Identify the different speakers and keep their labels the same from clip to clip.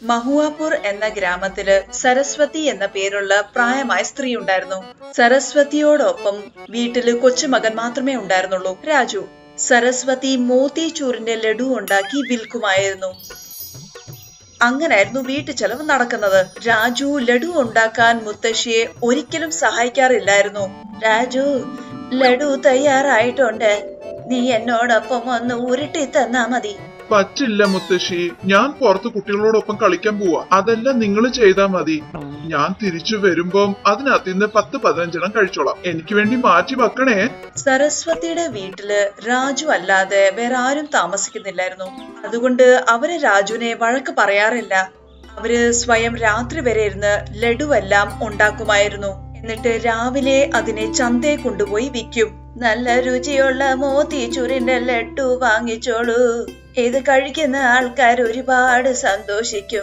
Speaker 1: മഹുവാപൂർ എന്ന ഗ്രാമത്തില് സരസ്വതി എന്ന പേരുള്ള പ്രായമായ സ്ത്രീ ഉണ്ടായിരുന്നു. സരസ്വതിയോടൊപ്പം വീട്ടില് കൊച്ചുമകൻ മാത്രമേ ഉണ്ടായിരുന്നുള്ളൂ, രാജു. സരസ്വതി മോത്തിച്ചൂറിന്റെ ലഡു ഉണ്ടാക്കി വിൽക്കുമായിരുന്നു. അങ്ങനായിരുന്നു വീട്ടു ചെലവ് നടക്കുന്നത്. രാജു ലഡു ഉണ്ടാക്കാൻ മുത്തശ്ശിയെ ഒരിക്കലും സഹായിക്കാറില്ലായിരുന്നു. രാജു, ലഡു തയ്യാറായിട്ടുണ്ട്, നീ എന്നോടൊപ്പം ഒന്ന് ഉരുട്ടി തന്നാ മതി.
Speaker 2: പറ്റില്ല മുത്തശ്ശി, ഞാൻ പുറത്ത് കുട്ടികളോടൊപ്പം കളിക്കാൻ പോവാ. അതെല്ലാം നിങ്ങൾ ചെയ്താ മതി. ഞാൻ തിരിച്ചു വരുമ്പം അതിനകത്ത് നിന്ന് 10-15 കഴിച്ചോളാം. എനിക്ക് വേണ്ടി മാറ്റി വെക്കണേ.
Speaker 1: സരസ്വതിയുടെ വീട്ടില് രാജു അല്ലാതെ വേറെ ആരും താമസിക്കുന്നില്ലായിരുന്നു. അതുകൊണ്ട് അവര് രാജുവിനെ വഴക്ക് പറയാറില്ല. അവര് സ്വയം രാത്രി വരെ ഇരുന്ന് ലഡുവെല്ലാം ഉണ്ടാക്കുമായിരുന്നു. എന്നിട്ട് രാവിലെ അതിനെ ചന്തയെ കൊണ്ടുപോയി വിൽക്കും. നല്ല രുചിയുള്ള മോത്തിച്ചൂറിന്റെ ലഡു വാങ്ങിച്ചോളൂ, ഇത് കഴിക്കുന്ന ആൾക്കാർ ഒരുപാട് സന്തോഷിക്കും.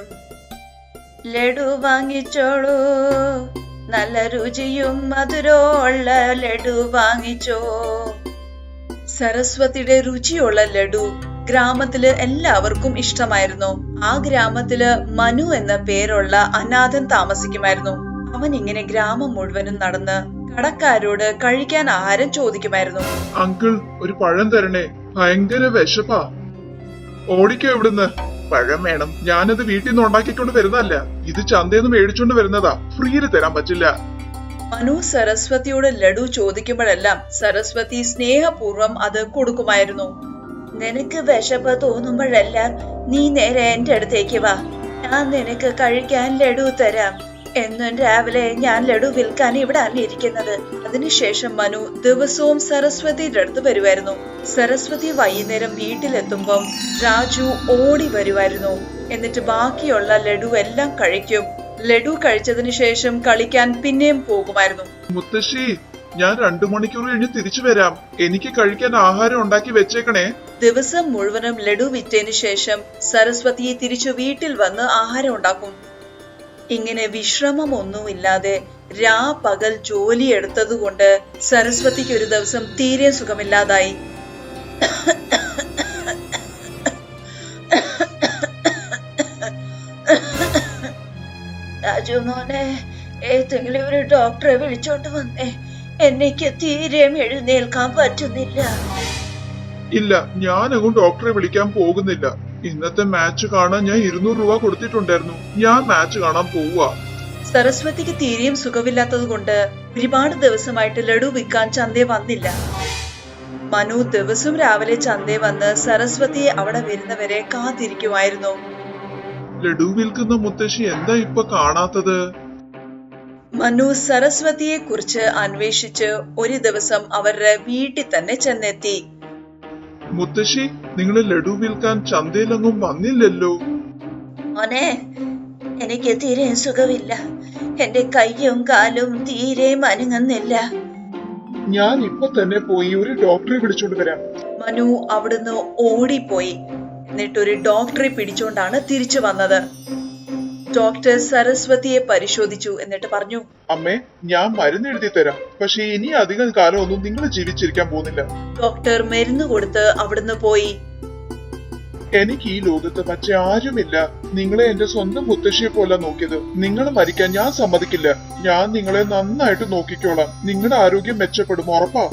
Speaker 1: ലഡു വാങ്ങിച്ചോളൂ, നല്ല രുചിയും മധുരമുള്ള ലഡു വാങ്ങിച്ചോ. സരസ്വതിയുടെ രുചിയുള്ള ലഡു ഗ്രാമത്തില് എല്ലാവർക്കും ഇഷ്ടമായിരുന്നു. ആ ഗ്രാമത്തില് മനു എന്ന പേരുള്ള അനാഥൻ താമസിക്കുമായിരുന്നു. അവൻ ഇങ്ങനെ ഗ്രാമം മുഴുവനും നടന്ന് കടക്കാരോട് കഴിക്കാൻ ആഹാരം ചോദിക്കുമായിരുന്നു.
Speaker 2: അങ്കിൾ, ഒരു പഴം തരണേ, ഭയങ്കര വിശപ്പാ. ഓടിക്കോ ഇവിടുന്ന്. പഴം വേണം. ഞാനത് വീട്ടിൽ നിന്ന് ഉണ്ടാക്കിക്കൊണ്ട് വരുന്നതല്ല, ഇത് ചന്തയിൽ നിന്ന് മേടിച്ചോണ്ട് വരുന്നതാ. ഫ്രീയിൽ തരാൻ പറ്റില്ല.
Speaker 1: മനു സരസ്വതിയോട് ലഡു ചോദിക്കുമ്പോഴെല്ലാം സരസ്വതി സ്നേഹപൂർവ്വം അത് കൊടുക്കുമായിരുന്നു. നിനക്ക് വിശപ്പ് തോന്നുമ്പോഴെല്ലാം നീ നേരെ എന്റെ അടുത്തേക്ക് വാ, ഞാൻ നിനക്ക് കഴിക്കാൻ ലഡു തരാം. എന്നും രാവിലെ ഞാൻ ലഡു വിൽക്കാൻ ഇവിടെ ഇരിക്കുന്നത്. അതിനുശേഷം മനു ദിവസവും സരസ്വതിയുടെ അടുത്ത് വരുമായിരുന്നു. സരസ്വതി വൈകുന്നേരം വീട്ടിലെത്തുമ്പം രാജു ഓടി വരുമായിരുന്നു. എന്നിട്ട് ബാക്കിയുള്ള ലഡു എല്ലാം കഴിക്കും. ലഡു കഴിച്ചതിന് ശേഷം കളിക്കാൻ പിന്നെയും പോകുമായിരുന്നു.
Speaker 2: മുത്തശ്ശി, ഞാൻ 2 മണിക്കൂർ കഴിഞ്ഞ് തിരിച്ചു വരാം. എനിക്ക് കഴിക്കാൻ ആഹാരം ഉണ്ടാക്കി വെച്ചേക്കണേ.
Speaker 1: ദിവസം മുഴുവനും ലഡു വിറ്റതിന് ശേഷം സരസ്വതി തിരിച്ചു വീട്ടിൽ വന്ന് ആഹാരം ഉണ്ടാക്കും. ഇങ്ങനെ വിശ്രമമൊന്നുമില്ലാതെ പകൽ ജോലി എടുത്തതുകൊണ്ട് സരസ്വതിക്ക് ഒരു ദിവസം തീരെ സുഖമില്ലാതായി. രാജു മോനെ, ഏതെങ്കിലും ഒരു ഡോക്ടറെ വിളിച്ചോണ്ട് വന്നേ, എനിക്ക് തീരെ എഴുന്നേൽക്കാൻ പറ്റുന്നില്ല.
Speaker 2: ഇല്ല, ഞാനങ്ങും ഡോക്ടറെ വിളിക്കാൻ പോകുന്നില്ല. ഇന്നത്തെ മാച്ച് കാണാൻ ഞാൻ 200 രൂപ കൊടുത്തിട്ടുണ്ടായിരുന്നു. ഞാൻ മാച്ച് കാണാൻ പോവുക.
Speaker 1: സരസ്വതിക്ക് തീരെയും സുഖമില്ലാത്തത് കൊണ്ട് ഒരുപാട് ദിവസമായിട്ട് ലഡു വിൽക്കാൻ ചന്തേ വന്നില്ല. മനു ദിവസം രാവിലെ ചന്തേ വന്ന് സരസ്വതിയെ അവിടെ വരുന്നവരെ കാത്തിരിക്കുമായിരുന്നു.
Speaker 2: ലഡു വിൽക്കുന്ന മുത്തശ്ശി എന്താ ഇപ്പൊ കാണാത്തത്?
Speaker 1: മനു സരസ്വതിയെ കുറിച്ച് അന്വേഷിച്ച് ഒരു ദിവസം അവരുടെ വീട്ടിൽ തന്നെ ചെന്നെത്തി.
Speaker 2: മുത്തശ്ശി, നിങ്ങൾ ലഡു വിൽക്കാൻ ചന്തയിലൊന്നും വന്നില്ലല്ലോ.
Speaker 1: മോനെ, എനിക്ക് തീരെ സുഖമില്ല. എന്റെ കൈയും കാലും തീരെ അനങ്ങുന്നില്ല.
Speaker 2: ഞാൻ ഇപ്പൊ തന്നെ പോയി ഒരു ഡോക്ടറെ വിളിച്ചോണ്ട് വരാം.
Speaker 1: മനു അവിടുന്ന് ഓടിപ്പോയി. എന്നിട്ടൊരു ഡോക്ടറെ പിടിച്ചോണ്ടാണ് തിരിച്ചു വന്നത്. ഡോക്ടർ സരസ്വതിയെ പരിശോധിച്ചു. എന്നിട്ട് പറഞ്ഞു,
Speaker 2: അമ്മേ, ഞാൻ മരുന്ന് എഴുതി തരാം. പക്ഷെ ഇനി അധികം കാലമൊന്നും നിങ്ങൾ ജീവിച്ചിരിക്കാൻ പോകുന്നില്ല.
Speaker 1: ഡോക്ടർ മരുന്ന് കൊടുത്ത് അവിടുന്ന് പോയി.
Speaker 2: എനിക്ക് ഈ ലോകത്ത് മറ്റാരുമില്ല. നിങ്ങളെ എന്റെ സ്വന്തം മുത്തശ്ശിയെ പോലെ നോക്കിയത്. നിങ്ങൾ മരിക്കാൻ ഞാൻ സമ്മതിക്കില്ല. ഞാൻ നിങ്ങളെ നന്നായിട്ട് നോക്കിക്കോളാം. നിങ്ങളുടെ ആരോഗ്യം മെച്ചപ്പെടും, ഉറപ്പാ.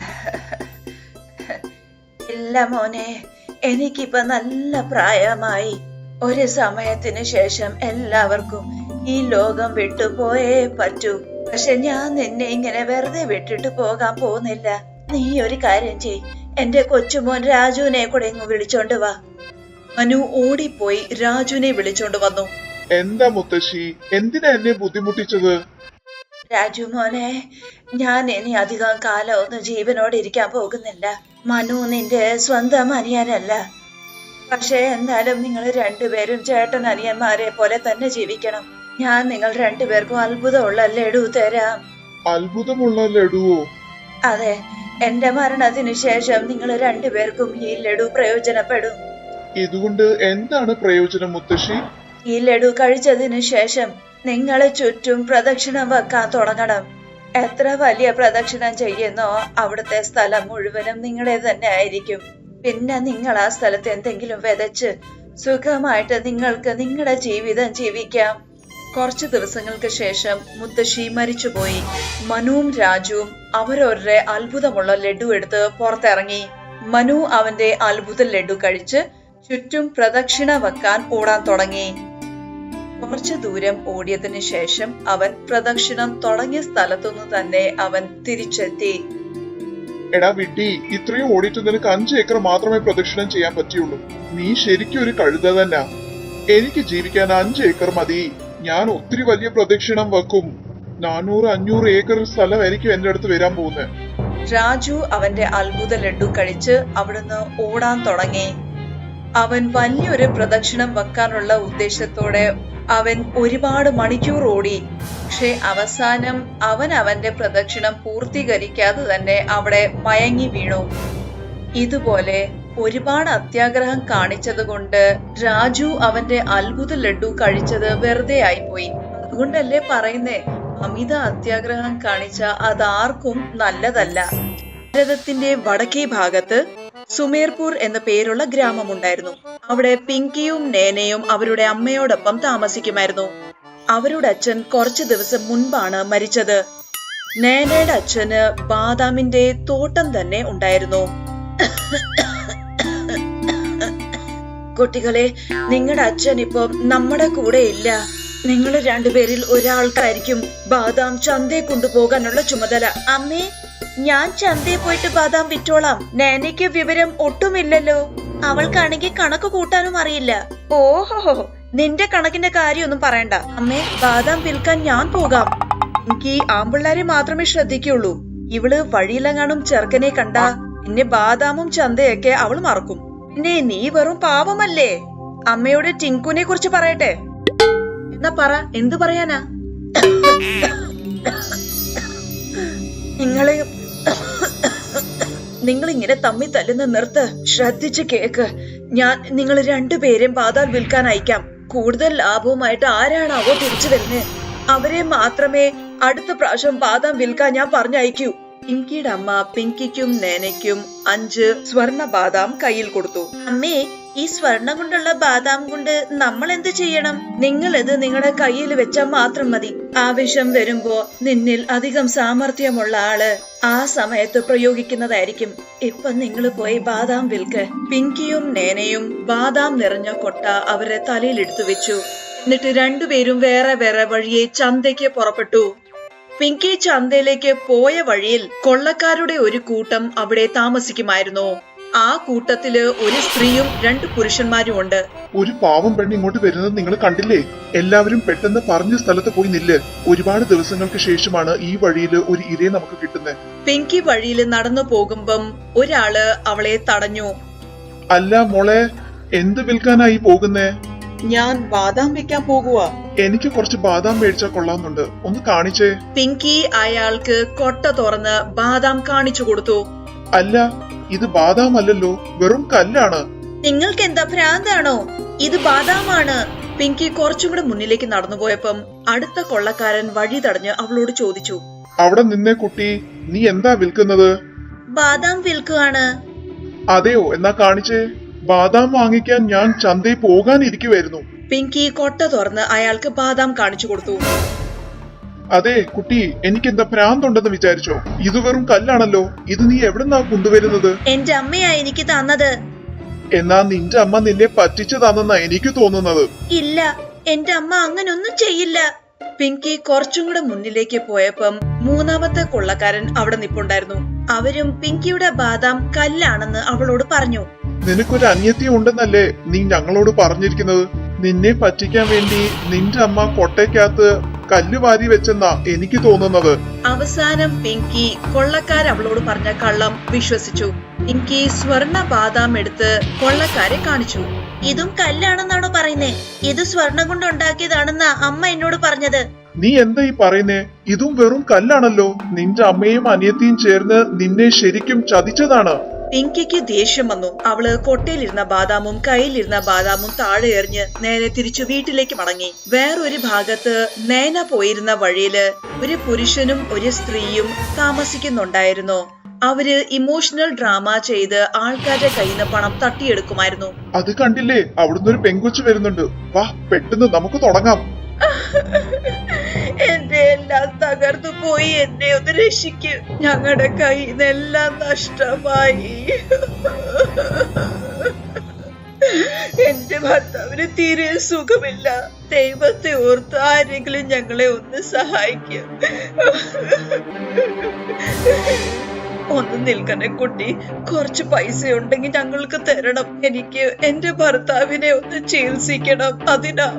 Speaker 1: ഇല്ല മോനെ, എനിക്കിപ്പോ നല്ല പ്രായമായി. ഒരു സമയത്തിന് ശേഷം എല്ലാവർക്കും ഈ ലോകം വിട്ടുപോയേ പറ്റൂ. പക്ഷെ ഞാൻ നിന്നെ ഇങ്ങനെ വെറുതെ വിട്ടിട്ട് പോകാൻ പോകുന്നില്ല. നീ ഒരു കാര്യം ചെയ്, എന്റെ കൊച്ചുമോൻ രാജുവിനെ കൂടെ ഇങ്ങ് വിളിച്ചോണ്ട് വാ. മനു ഓടിപ്പോയി രാജുവിനെ വിളിച്ചോണ്ട് വന്നു.
Speaker 2: എന്താ മുത്തശ്ശി, എന്തിനാ എന്നെ ബുദ്ധിമുട്ടിച്ചത്?
Speaker 1: രാജു മോനെ, ഞാൻ ഇനി അധികം കാലം ഒന്നും ജീവനോടെ ഇരിക്കാൻ പോകുന്നില്ല. മനു നിന്റെ സ്വന്തം അനിയനല്ല. പക്ഷെ എന്നാലും നിങ്ങൾ രണ്ടുപേരും ചേട്ടൻ അനിയന്മാരെ പോലെ തന്നെ ജീവിക്കണം. ഞാൻ നിങ്ങൾ രണ്ടുപേർക്കും അത്ഭുതമുള്ള ലഡു തരാം.
Speaker 2: അത്ഭുതമുള്ള ലഡുവോ?
Speaker 1: അതെ, എന്റെ മരണത്തിനു ശേഷം നിങ്ങൾ രണ്ടുപേർക്കും ഈ ലഡു പ്രയോജനപ്പെടും.
Speaker 2: ഇതുകൊണ്ട് എന്താണ് പ്രയോജനം മുത്തശ്ശി?
Speaker 1: ഈ ലഡു കഴിച്ചതിനു ശേഷം നിങ്ങൾ ചുറ്റും പ്രദക്ഷിണം വെക്കാൻ തുടങ്ങണം. എത്ര വലിയ പ്രദക്ഷിണം ചെയ്യുന്നോ അവിടുത്തെ സ്ഥലം മുഴുവനും നിങ്ങളെ തന്നെ ആയിരിക്കും. പിന്നെ നിങ്ങൾ ആ സ്ഥലത്ത് എന്തെങ്കിലും വിതച്ച് സുഖമായിട്ട് നിങ്ങൾക്ക് നിങ്ങളുടെ ജീവിതം ജീവിക്കാം. കുറച്ചു ദിവസങ്ങൾക്ക് ശേഷം മുത്തശ്ശി മരിച്ചുപോയി. മനുവും രാജുവും അവരവരുടെ അത്ഭുതമുള്ള ലഡു എടുത്ത് പുറത്തിറങ്ങി. മനു അവന്റെ അത്ഭുത ലഡു കഴിച്ച് ചുറ്റും പ്രദക്ഷിണ വെക്കാൻ ഓടാൻ തുടങ്ങി. കുറച്ചു ദൂരം ഓടിയതിനു ശേഷം അവൻ പ്രദക്ഷിണം തുടങ്ങിയ സ്ഥലത്തുനിന്ന് തന്നെ അവൻ തിരിച്ചെത്തി.
Speaker 2: എടാ വിഡ്ഢി, ഇത്രയും ഓടിയിട്ട് നിനക്ക് 5 ഏക്കർ മാത്രമേ പ്രദക്ഷിണം ചെയ്യാൻ പറ്റിയുള്ളൂ. നീ ശരിക്കും ഒരു കഴുത തന്നെ. എനിക്ക് ജീവിക്കാൻ 5 ഏക്കർ മതി. ഞാൻ ഒത്തിരി വലിയ പ്രദക്ഷിണം വെക്കും. 400-500 ഏക്കർ സ്ഥലമായിരിക്കും എന്റെ അടുത്ത് വരാൻ പോകുന്നത്.
Speaker 1: രാജു അവന്റെ അത്ഭുത ലഡു കഴിച്ച് അവിടുന്ന് ഓടാൻ തുടങ്ങി. അവൻ വലിയൊരു പ്രദക്ഷിണം വെക്കാനുള്ള ഉദ്ദേശത്തോടെ അവൻ ഒരുപാട് മണിക്കൂർ ഓടി. പക്ഷെ അവസാനം അവൻ അവന്റെ പ്രദക്ഷിണം പൂർത്തീകരിക്കാതെ തന്നെ അവിടെ മയങ്ങി വീണു. ഇതുപോലെ ഒരുപാട് അത്യാഗ്രഹം കാണിച്ചത് കൊണ്ട് രാജു അവന്റെ അത്ഭുത ലഡു കഴിച്ചത് വെറുതെ ആയിപ്പോയി. അതുകൊണ്ടല്ലേ പറയുന്നേ, അമിത അത്യാഗ്രഹം കാണിച്ച അതാർക്കും നല്ലതല്ല. ഭാരതത്തിന്റെ വടക്കേ ഭാഗത്ത് സുമേർപൂർ എന്ന പേരുള്ള ഗ്രാമമുണ്ടായിരുന്നു. അവിടെ പിങ്കിയും നേനയും അവരുടെ അമ്മയോടൊപ്പം താമസിക്കുമായിരുന്നു. അവരുടെ അച്ഛൻ കുറച്ചു ദിവസം മുൻപാണ് മരിച്ചത്. നേനയുടെ അച്ഛന് ബാദാമിന്റെ തോട്ടം തന്നെ ഉണ്ടായിരുന്നു. കുട്ടികളെ, നിങ്ങളുടെ അച്ഛൻ ഇപ്പൊ നമ്മുടെ കൂടെ ഇല്ല. നിങ്ങൾ രണ്ടുപേരിൽ ഒരാൾക്കായിരിക്കും ബാദാം ചന്തയെ കൊണ്ടുപോകാനുള്ള ചുമതല. അമ്മേ, ഞാൻ ചന്തയിൽ പോയിട്ട് ബാദാം വിറ്റോളാം. നേനയ്ക്ക് വിവരം ഒട്ടുമില്ലല്ലോ. അവൾക്കാണെങ്കിൽ കണക്ക് കൂട്ടാനും അറിയില്ല. ഓഹോ, നിന്റെ കണക്കിന്റെ കാര്യമൊന്നും പറയണ്ട അമ്മേ. ബാദാം വിൽക്കാൻ ഞാൻ പോകാം. എനിക്ക് ആമ്പിള്ളാരെ മാത്രമേ ശ്രദ്ധിക്കുള്ളൂ. ഇവള് വഴിയിലെങ്ങാനും ചെറുക്കനെ കണ്ട പിന്നെ ബാദാമും ചന്തയൊക്കെ അവൾ മറക്കും. പിന്നെ നീ വെറും പാവമല്ലേ. അമ്മയോട് ടിങ്കുനെ കുറിച്ച് പറയട്ടെ. എന്നാ പറ, എന്തു പറയാനാ? നിങ്ങൾ ഇങ്ങനെ തമ്മി തല്ലുന്ന നിർത്ത്. ശ്രദ്ധിച്ച് കേക്ക്. ഞാൻ നിങ്ങൾ രണ്ടുപേരും ബാദാം വിൽക്കാൻ അയക്കാം. കൂടുതൽ ലാഭവുമായിട്ട് ആരാണാവോ തിരിച്ചു വരുന്നത്, അവരെ മാത്രമേ അടുത്ത പ്രാവശ്യം ബാദാം വിൽക്കാൻ ഞാൻ പറഞ്ഞയക്കൂ. പിങ്കിയുടെ അമ്മ പിങ്കിക്കും നേനയ്ക്കും 5 സ്വർണ ബാദാം കയ്യിൽ കൊടുത്തു. അമ്മേ, ഈ സ്വർണം കൊണ്ടുള്ള ബാദാം കൊണ്ട് നമ്മൾ എന്ത് ചെയ്യണം? നിങ്ങൾ ഇത് നിങ്ങളുടെ കയ്യിൽ വെച്ചാൽ മാത്രം മതി. ആവശ്യം വരുമ്പോ നിന്നിൽ അധികം സാമർഥ്യമുള്ള ആള് ആ സമയത്ത് പ്രയോഗിക്കുന്നതായിരിക്കും. ഇപ്പൊ നിങ്ങൾ പോയി ബാദാം വിൽക്ക്. പിങ്കിയും നേനയും ബാദാം നിറഞ്ഞ കൊട്ട അവരെ തലയിലെടുത്തു വെച്ചു. എന്നിട്ട് രണ്ടുപേരും വേറെ വേറെ വഴിയെ ചന്തയ്ക്ക് പുറപ്പെട്ടു. പിങ്കി ചന്തയിലേക്ക് പോയ വഴിയിൽ കൊള്ളക്കാരുടെ ഒരു കൂട്ടം അവിടെ താമസിക്കുമായിരുന്നു. ആ കൂട്ടത്തില് ഒരു സ്ത്രീയും 2 പുരുഷന്മാരും ഉണ്ട്.
Speaker 2: ഒരു പാവം പെണ്ണ് ഇങ്ങോട്ട് വരുന്നത് നിങ്ങൾ കണ്ടില്ലേ? എല്ലാവരും പെട്ടെന്ന് പറഞ്ഞ സ്ഥലത്ത് പോയി നില്ല്. ഒരുപാട് ദിവസങ്ങൾക്ക് ശേഷമാണ് ഈ വഴിയില് ഒരു ഇരയെ നമുക്ക് കിട്ടുന്നത്.
Speaker 1: പിങ്കി വഴിയിൽ നടന്നു പോകുമ്പം ഒരാള് അവളെ തടഞ്ഞു.
Speaker 2: അല്ല മോളെ, എന്ത് വിൽക്കാനായി പോകുന്നേ?
Speaker 1: ഞാൻ ബാദാം വെക്കാൻ പോകുക.
Speaker 2: എനിക്ക് കുറച്ച് ബാദാം മേടിച്ചാൽ കൊള്ളാവുന്നുണ്ട്, ഒന്ന് കാണിച്ചേ.
Speaker 1: പിങ്കി അയാൾക്ക് കൊട്ട തുറന്ന് ബാദാം കാണിച്ചു കൊടുത്തു.
Speaker 2: അല്ല, ഇത് ബാദാം അല്ലല്ലോ, വെറും കല്ലാണ്.
Speaker 1: നിങ്ങൾക്ക് എന്താ ഭ്രാന്താണോ? ഇത് ബാദാമാണ്. പിങ്കി കുറച്ചും കൂടെ മുന്നിലേക്ക് നടന്നുപോയപ്പം അടുത്ത കൊള്ളക്കാരൻ വഴി തടഞ്ഞ് അവളോട് ചോദിച്ചു.
Speaker 2: അവിടെ നിന്നേ കുട്ടി, നീ എന്താ വിൽക്കുന്നത്?
Speaker 1: ബാദാം വിൽക്കുകയാണ്.
Speaker 2: അതെയോ, എന്നാ കാണിച്ചേ. ബാദാം വാങ്ങിക്കാൻ ഞാൻ ചന്തയിൽ പോകാനിരിക്കുവായിരുന്നു.
Speaker 1: പിങ്കി കൊട്ട തുറന്ന് അയാൾക്ക് ബാദാം കാണിച്ചു കൊടുത്തു.
Speaker 2: അതെ കുട്ടി, എനിക്ക് എന്താ ഭ്രാന്തുണ്ടെന്ന് വിചാരിച്ചോ? ഇത് വെറും കല്ലാണല്ലോ. ഇത് നീ എവിടെന്നാ കൊണ്ടുവരുന്നത്?
Speaker 1: എന്റെ അമ്മയാ എനിക്ക് തന്നത്.
Speaker 2: എന്നാ നിന്റെ അമ്മ നിന്നെ പറ്റിച്ചു തന്നെന്നാ എനിക്ക് തോന്നുന്നത്.
Speaker 1: ഇല്ല, എന്റെ അമ്മ അങ്ങനൊന്നും ചെയ്യില്ല. പിങ്കി കുറച്ചും കൂടെ മുന്നിലേക്ക് പോയപ്പം 3ാമത്തെ കൊള്ളക്കാരൻ അവിടെ നിപ്പുണ്ടായിരുന്നു. അവരും പിങ്കിയുടെ ബാദാം കല്ലാണെന്ന് അവളോട് പറഞ്ഞു.
Speaker 2: നിനക്കൊരു അന്യത്യം ഉണ്ടെന്നല്ലേ നീ ഞങ്ങളോട് പറഞ്ഞിരിക്കുന്നത്? നിന്നെ പറ്റിക്കാൻ വേണ്ടി നിന്റെ അമ്മ കൊട്ടയ്ക്കകത്ത് കല്ല് വാരി വെച്ചെന്നാ എനിക്ക് തോന്നുന്നത്.
Speaker 1: അവസാനം പിങ്കി കൊള്ളക്കാർ അവളോട് പറഞ്ഞ കള്ളം വിശ്വസിച്ചു. പിങ്കി സ്വർണ ബാദാം എടുത്ത് കൊള്ളക്കാരെ കാണിച്ചു. ഇതും കല്ലാണെന്നാണോ പറയുന്നേ? ഇത് സ്വർണം കൊണ്ട് ഉണ്ടാക്കിയതാണെന്നാ അമ്മ എന്നോട് പറഞ്ഞത്.
Speaker 2: നീ എന്താ ഈ പറയുന്നേ? ഇതും വെറും കല്ലാണല്ലോ. നിന്റെ അമ്മയും അനിയത്തിയും ചേർന്ന് നിന്നെ ശരിക്കും ചതിച്ചതാണ്.
Speaker 1: പിങ്കിക്ക് ദേഷ്യം വന്നു. അവള് കൊട്ടയിലിരുന്ന ബാദാമും കയ്യിലിരുന്ന ബാദാമും താഴെ എറിഞ്ഞ് നേരെ തിരിച്ചു വീട്ടിലേക്ക് മടങ്ങി. വേറൊരു ഭാഗത്ത് നേന പോയിരുന്ന വഴിയില് ഒരു പുരുഷനും ഒരു സ്ത്രീയും താമസിക്കുന്നുണ്ടായിരുന്നു. അവര് ഇമോഷണൽ ഡ്രാമ ചെയ്ത് ആൾക്കാരുടെ കയ്യിൽ നിന്ന് പണം തട്ടിയെടുക്കുമായിരുന്നു.
Speaker 2: അത് കണ്ടില്ലേ, അവിടുന്ന് ഒരു പെങ്കൊച്ചു വരുന്നുണ്ട്. വാ, പെട്ടെന്ന് നമുക്ക് തുടങ്ങാം.
Speaker 1: എന്റെ എല്ലാം തകർന്നു പോയി, എന്നെ ഒന്ന് രക്ഷിക്ക്. ഞങ്ങളുടെ കയ്യിൽ നിന്നെല്ലാം നഷ്ടമായി. എന്റെ ഭർത്താവിന് തീരെ സുഖമില്ല. ദൈവത്തെ ഓർത്ത് ആരെങ്കിലും ഞങ്ങളെ ഒന്ന് സഹായിക്കും. ഒന്ന് നിൽക്കണേ കുട്ടി, കുറച്ച് പൈസ ഉണ്ടെങ്കിൽ ഞങ്ങൾക്ക് തരണം. എനിക്ക് എന്റെ ഭർത്താവിനെ ഒന്ന് ചികിത്സിക്കണം. അതിനാ.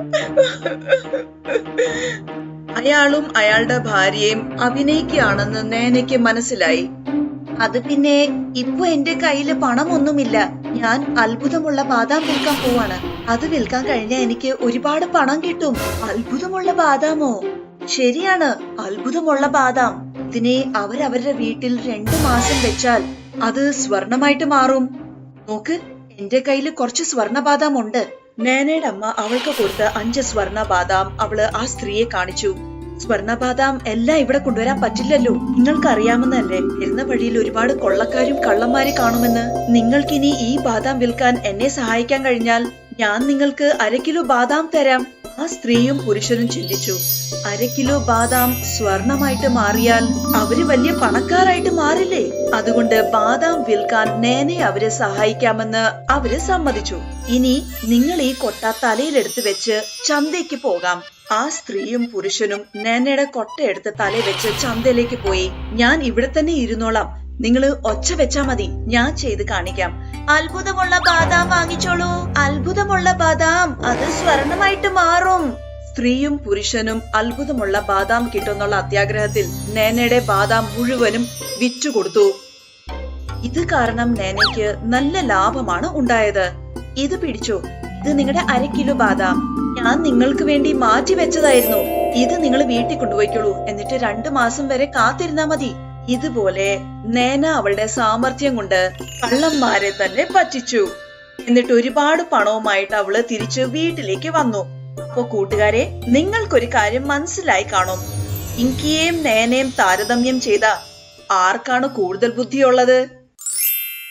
Speaker 1: അയാളും അയാളുടെ ഭാര്യയും അഭിനയിക്കുകയാണെന്ന് നേനയ്ക്ക് മനസ്സിലായി. അത് പിന്നെ ഇപ്പൊ എന്റെ കയ്യില് പണമൊന്നുമില്ല. ഞാൻ അത്ഭുതമുള്ള ബാദാം വിൽക്കാൻ പോവാണ്. അത് വിൽക്കാൻ കഴിഞ്ഞാൽ എനിക്ക് ഒരുപാട് പണം കിട്ടും. അത്ഭുതമുള്ള ബാദാമോ? ശരിയാണ്, അത്ഭുതമുള്ള ബാദാം. ഇതിനെ അവരവരുടെ വീട്ടിൽ 2 മാസം വെച്ചാൽ അത് സ്വർണമായിട്ട് മാറും. നോക്ക്, എന്റെ കയ്യില് കുറച്ച് സ്വർണ ബാദാം ഉണ്ട്. നേനയുടെ അമ്മ അവൾക്ക് കൊടുത്ത 5 സ്വർണ ബാദാം അവള് ആ സ്ത്രീയെ കാണിച്ചു. സ്വർണ ബാദാം എല്ലാം ഇവിടെ കൊണ്ടുവരാൻ പറ്റില്ലല്ലോ. നിങ്ങൾക്കറിയാമെന്നല്ലേ, വരുന്ന വഴിയിൽ ഒരുപാട് കൊള്ളക്കാരും കള്ളന്മാരെ കാണുമെന്ന്. നിങ്ങൾക്കിനി ഈ ബാദാം വിൽക്കാൻ എന്നെ സഹായിക്കാൻ കഴിഞ്ഞാൽ ഞാൻ നിങ്ങൾക്ക് 1/2 കിലോ ബാദാം തരാം. ആ സ്ത്രീയും പുരുഷനും ചിന്തിച്ചു, 1/2 കിലോ ബാദാം സ്വർണമായിട്ട് മാറിയാൽ അവര് വലിയ പണക്കാരായിട്ട് മാറില്ലേ? അതുകൊണ്ട് ബാദാം വിൽക്കാൻ നേനെ അവരെ സഹായിക്കാമെന്ന് അവര് സമ്മതിച്ചു. ഇനി നിങ്ങൾ ഈ കൊട്ട തലയിലെടുത്ത് വെച്ച് ചന്തയ്ക്ക് പോകാം. ആ സ്ത്രീയും പുരുഷനും നേനയുടെ കൊട്ടയെടുത്ത് തലയിൽ വെച്ച് ചന്തയിലേക്ക് പോയി. ഞാൻ ഇവിടെ തന്നെ ഇരുന്നോളാം, നിങ്ങള് ഒച്ച വെച്ചാ മതി, ഞാൻ ചെയ്ത് കാണിക്കാം. അത്ഭുതമുള്ള ബാദാം വാങ്ങിച്ചോളൂ. അത്ഭുതമുള്ള ബാദാം, അത് സ്വർണമായിട്ട് മാറും. സ്ത്രീയും പുരുഷനും അത്ഭുതമുള്ള ബാദാം കിട്ടുന്നുള്ള അത്യാഗ്രഹത്തിൽ നേനയുടെ ബാദാം മുഴുവനും വിറ്റുകൊടുത്തു. ഇത് കാരണം നേനയ്ക്ക് നല്ല ലാഭമാണ് ഉണ്ടായത്. ഇത് പിടിച്ചോ, ഇത് നിങ്ങളുടെ 1/2 കിലോ ബാദാം. ഞാൻ നിങ്ങൾക്ക് വേണ്ടി മാറ്റി വെച്ചതായിരുന്നു. ഇത് നിങ്ങൾ വീട്ടിൽ കൊണ്ടുപോയിക്കോളൂ. എന്നിട്ട് 2 മാസം വരെ കാത്തിരുന്നാ മതി. ഇതുപോലെ നേന അവളുടെ സാമർഥ്യം കൊണ്ട് കള്ളന്മാരെ തന്നെ പറ്റിച്ചു. എന്നിട്ട് ഒരുപാട് പണവുമായിട്ട് അവള് തിരിച്ച് വീട്ടിലേക്ക് വന്നു. അപ്പൊ കൂട്ടുകാരെ, നിങ്ങൾക്കൊരു കാര്യം മനസ്സിലായി കാണും. ഇങ്കിയെയും നേനയും താരതമ്യം ചെയ്ത ആർക്കാണ് കൂടുതൽ ബുദ്ധിയുള്ളത്?